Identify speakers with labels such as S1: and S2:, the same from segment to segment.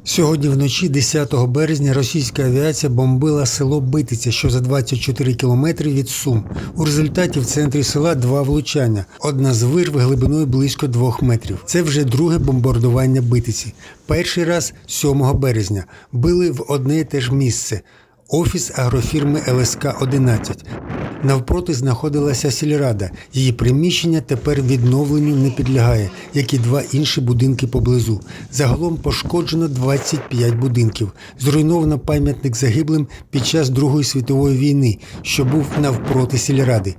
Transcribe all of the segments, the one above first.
S1: Сьогодні вночі, 10 березня, російська авіація бомбила село Битиця, що за 24 кілометри від Сум. У результаті в центрі села два влучання. Одна з вирв глибиною близько 2 метрів. Це вже друге бомбардування Битиці. Перший раз 7 березня. Били в одне і те ж місце – офіс агрофірми ЛСК-11. Навпроти знаходилася сільрада. Її приміщення тепер відновленню не підлягає, як і 2 інші будинки поблизу. Загалом пошкоджено 25 будинків. Зруйновано пам'ятник загиблим під час Другої світової війни, що був навпроти сільради.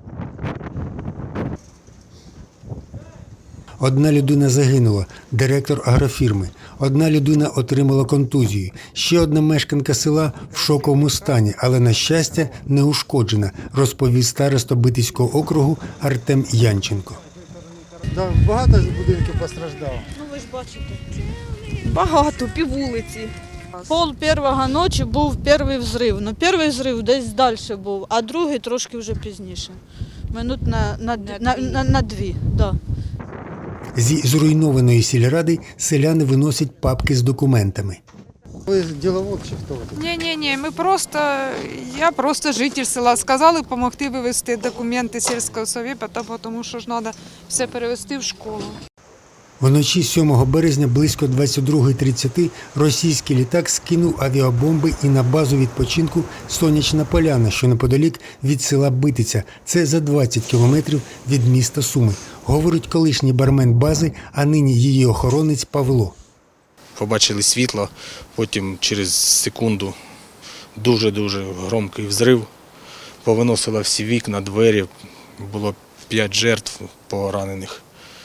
S1: Одна людина загинула – директор агрофірми. Одна людина отримала контузію. Ще одна мешканка села в шоковому стані, але, на щастя, не ушкоджена, розповів староста Битицького округу Артем Янченко.
S2: Багато ж будинків постраждало?
S3: Ну ви ж бачите. Багато, піввулиці. Пол першого ночі був перший взрив. Ну, перший взрив десь далі був, а другий трошки вже пізніше. Минут на 2, да.
S1: Зі зруйнованої сільради селяни виносять папки з документами.
S2: Ви діловод чи хто ви?
S4: Ні, я просто житель села. Сказали допомогти вивезти документи сільського совєта, тому що ж треба все перевезти в школу.
S1: Вночі 7 березня близько 22:30 російський літак скинув авіабомби і на базу відпочинку «Сонячна Поляна», що неподалік від села Битиця. Це за 20 кілометрів від міста Суми, говорить колишній бармен бази, а нині її охоронець Павло.
S5: Побачили світло, потім через секунду дуже-дуже громкий взрив. Повиносило всі вікна, двері, було 5 жертв поранених.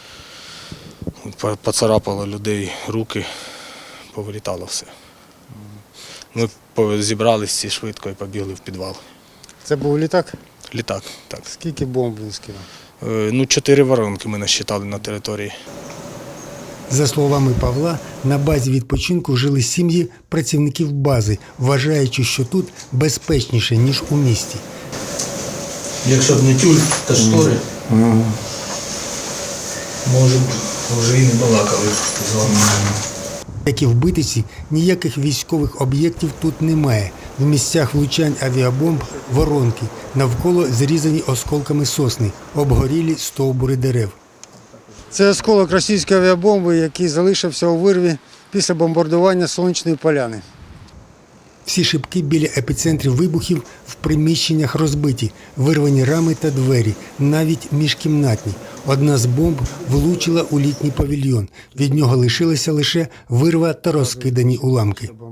S5: Поцарапало людей руки, повилітало все. Ми зібралися всі швидко і побігли в підвал.
S2: Це був літак?
S5: Літак, так.
S2: Скільки бомб він скинув?
S5: 4 воронки ми насчитали на території.
S1: За словами Павла, на базі відпочинку жили сім'ї працівників бази, вважаючи, що тут безпечніше, ніж у місті.
S6: Якщо б не тюль та штори, може б вже і не балакали з вами.
S1: Як і в Битиці, ніяких військових об'єктів тут немає. В місцях влучань авіабомб – воронки, навколо зрізані осколками сосни, обгорілі стовбури дерев.
S2: Це осколок російської авіабомби, який залишився у вирві після бомбардування Сонячної Поляни.
S1: Всі шибки біля епіцентрів вибухів в приміщеннях розбиті, вирвані рами та двері, навіть міжкімнатні. Одна з бомб влучила у літній павільйон. Від нього лишилася лише вирва та розкидані уламки.